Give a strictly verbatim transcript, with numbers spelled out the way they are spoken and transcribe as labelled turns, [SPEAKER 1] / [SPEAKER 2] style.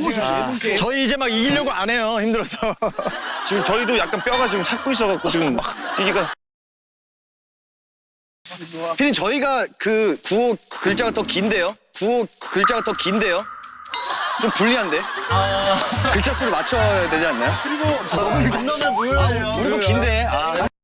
[SPEAKER 1] 해보시지.
[SPEAKER 2] 저희 이제 막 이기려고 안 해요. 힘들어서.
[SPEAKER 3] 지금 저희도 약간 뼈가 지금 삭고 있어갖고 지금 막 뛰기가.
[SPEAKER 1] 피디님 저희가 그 구호 글자가 더 긴데요? 구호 글자가 더 긴데요? 좀 불리한데? 글자 수를 맞춰야 되지 않나요?
[SPEAKER 2] 너무 긴 놈을 무효예요.
[SPEAKER 1] 우리도 긴데. 아.